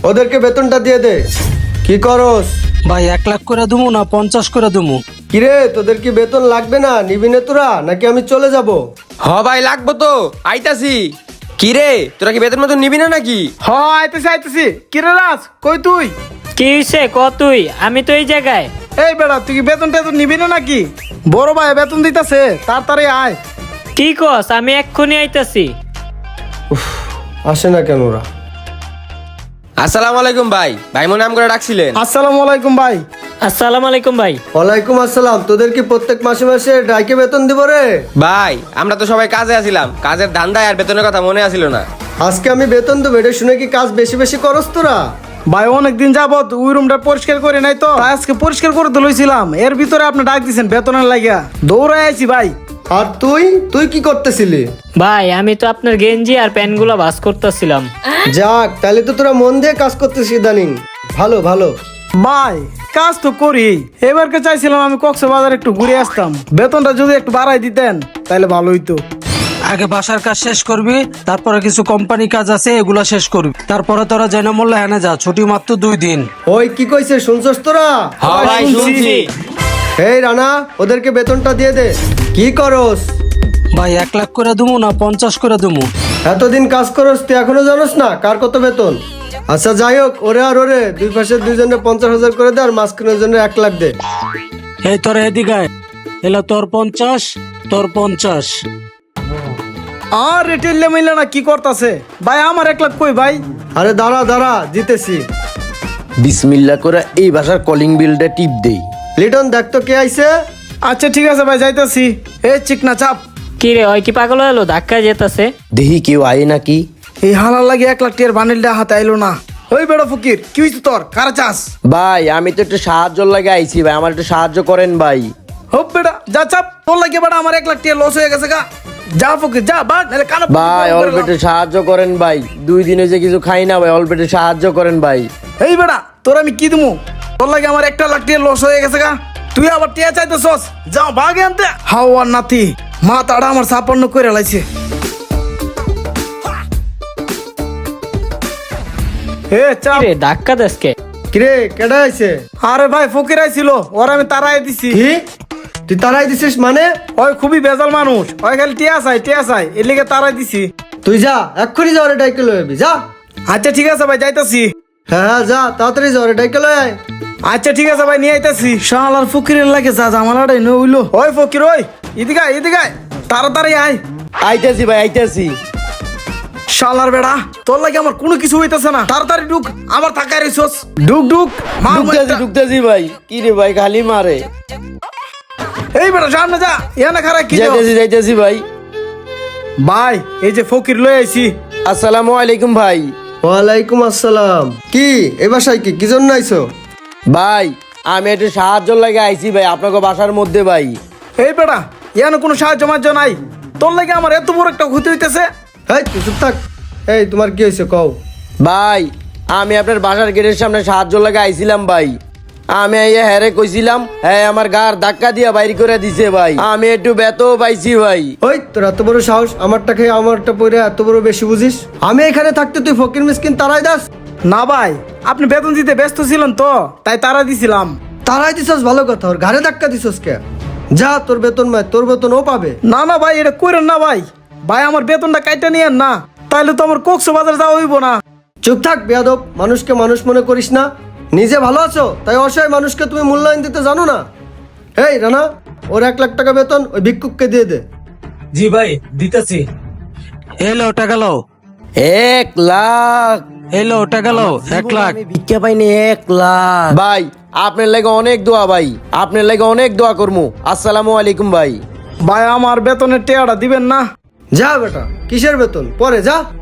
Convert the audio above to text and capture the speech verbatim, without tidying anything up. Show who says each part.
Speaker 1: ওদেরকে বেতনটা দিয়ে দে। কি করস?
Speaker 2: ভাই এক লাখ করে দুমু না পঞ্চাশ করে দুমু?
Speaker 1: কিরে তোদের কি বেতন লাগবে না? নিবি না তোরা নাকি আমি চলে যাব?
Speaker 3: হ ভাই লাগবো তো, আইতাছি। কি রে তোরা কি বেতন মতন নিবি না নাকি?
Speaker 4: হ আইতেছি আইতেছি। কিরে রাজ কই তুই?
Speaker 5: কি হইছে ক তুই? আমি তো এই জায়গায়।
Speaker 4: এই বেড়া তুই কি বেতন টেতন নিবি না নাকি? বড় ভাই বেতন দিতেছে, তাড়াতাড়ি আয়।
Speaker 5: কি কস? আমি এক্ষুনি আইতাছি।
Speaker 1: আসে না কেন ওরা?
Speaker 3: আসসালামু আলাইকুম ভাই। ভাই মনে নাম করে ডাকছিলেন?
Speaker 4: আসসালামু আলাইকুম ভাই।
Speaker 5: আসসালামু আলাইকুম ভাই।
Speaker 1: ওয়ালাইকুম আসসালাম। তোদের কি প্রত্যেক মাসে মাসে ডাইকে বেতন দিব রে?
Speaker 3: ভাই আমরা তো সবাই কাজে আছিলাম, কাজের ধান্দায় আর বেতনের কথা মনে আসিল না।
Speaker 1: আজকে আমি বেতন দেবো, এটা শুনে কি কাজ বেশি বেশি করস তোরা?
Speaker 4: ভাই অনেকদিন যাবত ওই রুমটা পরিষ্কার করে নাই তো, তাই আজকে পরিষ্কার করে তো লইছিলাম। এর ভিতরে আপনি ডাক দিছেন বেতনের লাগিয়া, দৌড়াই আইছি ভাই।
Speaker 1: আর তুই তুই কি করতেছিলি?
Speaker 5: ভাই আমি তো আপনার গেঞ্জি আর প্যান্টগুলো ভাঁজ করতেছিলাম।
Speaker 1: যাক, তাহলে তো তোরা মন দিয়ে কাজ করতেছিস ইদানিং। ভালো ভালো।
Speaker 4: ভাই কাজ তো করি, এবারকে চাইছিলাম আমি কক্সবাজার একটু ঘুরে আসতাম, বেতনটা যদি একটু বাড়াই দিতেন তাহলে ভালো হইতো।
Speaker 2: আগে বাসার কাজ শেষ করবি, তারপরে কিছু কোম্পানি কাজ আছে এগুলা শেষ করবি, তারপরে তোরা জেনে মোল্লা হেনে যা, ছুটি মাত্র দুই দিন।
Speaker 1: ওই কি কইছে শুনছস তোরা?
Speaker 3: হ ভাই শুনছি।
Speaker 1: এই রানা, ওদেরকে বেতনটা দিয়ে দে। কি করস?
Speaker 2: ভাই এক লাখ করে দুমু না পঞ্চাশ করে দুমু?
Speaker 1: এতদিন কাজ করস তুই এখনো জানোস না কার কত বেতন? আচ্ছা যাই হোক, ওরে আর ওরে দুই পাশে দুইজনে পঞ্চাশ হাজার করে দে, আর মাঝখানের জন্য এক লাখ দে।
Speaker 2: এই তোর এদিকে আয়। এলা তোর পঞ্চাশ, তোর পঞ্চাশ।
Speaker 4: আর রেটেল মিলে না কি করতেছে ভাই? আমার এক লাখ কই ভাই?
Speaker 1: আরে দাঁড়া দাঁড়া, দিতেছি।
Speaker 6: বিসমিল্লা করে এই ভাষার কলিং বিলটা টিপ দেই।
Speaker 1: লিটন দেখ তো কে আইছে।
Speaker 4: আচ্ছা ঠিক আছে ভাই, যাইতাছি। এ চিকনা চাপ।
Speaker 5: কি রে ওই কি পাগল হলো? ধাক্কা যেতেছে।
Speaker 6: দেহি কেউ আয় নাকি?
Speaker 4: এই হালার লাগে এক লাখ টিয়ার বান্ডিলটা হাতে আইলো না। ওই বেড়া ফকির, কি হইছে তোর? কারা চাস?
Speaker 6: ভাই আমি তো একটু সাহায্য লাগে আইছি ভাই, আমার একটু সাহায্য করেন ভাই।
Speaker 4: হোপ বেড়া যা চাপ, তোর লাগে বেড়া আমার এক লাখ টিয়ার লস হয়ে গেছে গা। যা ফকির যা, বাদ নালে কানা।
Speaker 6: ভাই অল্প একটু সাহায্য করেন ভাই, দুই দিন হয়েছে কিছু খাই না ভাই, অল্প একটু সাহায্য করেন ভাই।
Speaker 4: এই বেড়া তোর আমি কি দিমু? তোর লাগে আমার একটা লাখ টিয়ার লস হয়ে গেছে গা, তুই আবার টিয়া চাইতেছস? যাও ভাগে আনতে। হাওয়ার নাতি মা তাড়া আমার সাপন্ন করে লাইছে। এ চাপ।
Speaker 5: কি রে ধাক্কা দেসকে?
Speaker 1: কিরে কেডা আইছে?
Speaker 4: আরে ভাই ফকির আইছিল, ওর আমি তারাই দিছি।
Speaker 1: কি তুই তারাই দিছিস মানে?
Speaker 4: ওই খুবই বেজাল মানুষ, ওই খালি টিয়া চাই টিয়া চাই, এর লিগে তারাই দিছি।
Speaker 1: তুই যা, এক্ষুনি যা, ওরে ডাইকে লয়ে আবি, যা।
Speaker 4: আচ্ছা ঠিক আছে ভাই, যাইতাছি।
Speaker 1: হ্যাঁ হ্যাঁ যা, তাড়াতাড়ি যা, ওরে ডাইকে লয়ে আয়।
Speaker 4: আচ্ছা ঠিক আছে ভাই, নিয়ে আইতাছি। শালার ফকিরের লাগে যা জামালাটাই ন হইলো। ওই ফকির ওই এদিকে আয়, এদিকে আয়, তাড়াতাড়ি আয়।
Speaker 6: আইতাছি ভাই আইতাছি।
Speaker 4: শালার বেড়া তোর লাগে আমার কোনো কিছু হইতাছে না, তাড়াতাড়ি ঢুক, আমার থাকায় রইছস। ঢুক ঢুক মা
Speaker 6: ঢুকতেছি ঢুকতেছি ভাই। কি রে ভাই খালি মারে।
Speaker 4: এই বেড়া সামনে যা, এখানে খারাপ কি যাও?
Speaker 6: যাইতেছি যাইতেছি ভাই।
Speaker 4: ভাই এই যে ফকির লই আইছি।
Speaker 6: আসসালামু আলাইকুম ভাই।
Speaker 1: ওয়ালাইকুম আসসালাম। কি এ বাসায় কি কি জন্য আইছো?
Speaker 6: ভাই আমি একটু সাহায্য লাগে আইছি ভাই আপনাকে বাসার মধ্যে ভাই।
Speaker 4: এই বেড়া এখানে কোনো সাহায্য মার্য নাই, তোর লাগে আমার এত বড় একটা ক্ষতি হইতেছে।
Speaker 1: এই তুই চুপ থাক। এই তোমার কি হয়েছে কও?
Speaker 6: ভাই আমি আপনার বাসার গেটের সামনে সাহায্য লাগে আইছিলাম ভাই, আমি আইয়া হ্যারে কইছিলাম, হ্যাঁ আমার গার ধাক্কা দিয়া বাইর করে দিছে ভাই, আমি একটু ব্যথও পাইছি ভাই।
Speaker 1: ওই তোর এত বড় সাহস, আমারটা খেয়ে আমারটা পরে এত বড় বেশি বুঝিস? আমি এখানে থাকতে তুই ফকির মিসকিন তারাই দাস?
Speaker 4: না ভাই আপনি বেতন দিতে ব্যস্ত ছিলেন তো, তাই তারা দিছিলাম।
Speaker 1: তারাই দিছস ভালো কথা, ওর ঘাড়ে ধাক্কা দিছস কে? যা, তোর বেতন মায়, তোর বেতন ও পাবে।
Speaker 4: না না ভাই এটা কইরেন না ভাই, ভাই আমার বেতনটা কাইটা নিয়েন না, তাইলে তো আমার কক্সবাজার যাওয়া হইব না।
Speaker 1: চুপ থাক বেয়াদব, মানুষকে মানুষ মনে করিস না। নিজে ভালো আছো তাই অসহায় মানুষকে তুমি মূল্যায়ন দিতে জানো না। এই রানা, ওর এক লাখ টাকা বেতন ওই ভিক্ষুককে দিয়ে দে।
Speaker 2: জি ভাই দিতেছি। এলো টাকা লো।
Speaker 6: এক লাখ
Speaker 2: এলো টাকা লো, এক লাখ।
Speaker 6: আমি ভিক্ষা পাইনি এক লাখ। ভাই আপনার লাগে অনেক দোয়া ভাই, আপনার লাগে অনেক দোয়া করমু। আসসালামু আলাইকুম ভাই।
Speaker 4: ভাই আমার বেতনের টেয়াটা দিবেন না?
Speaker 1: যা বেটা, কিসের বেতন পরে যা।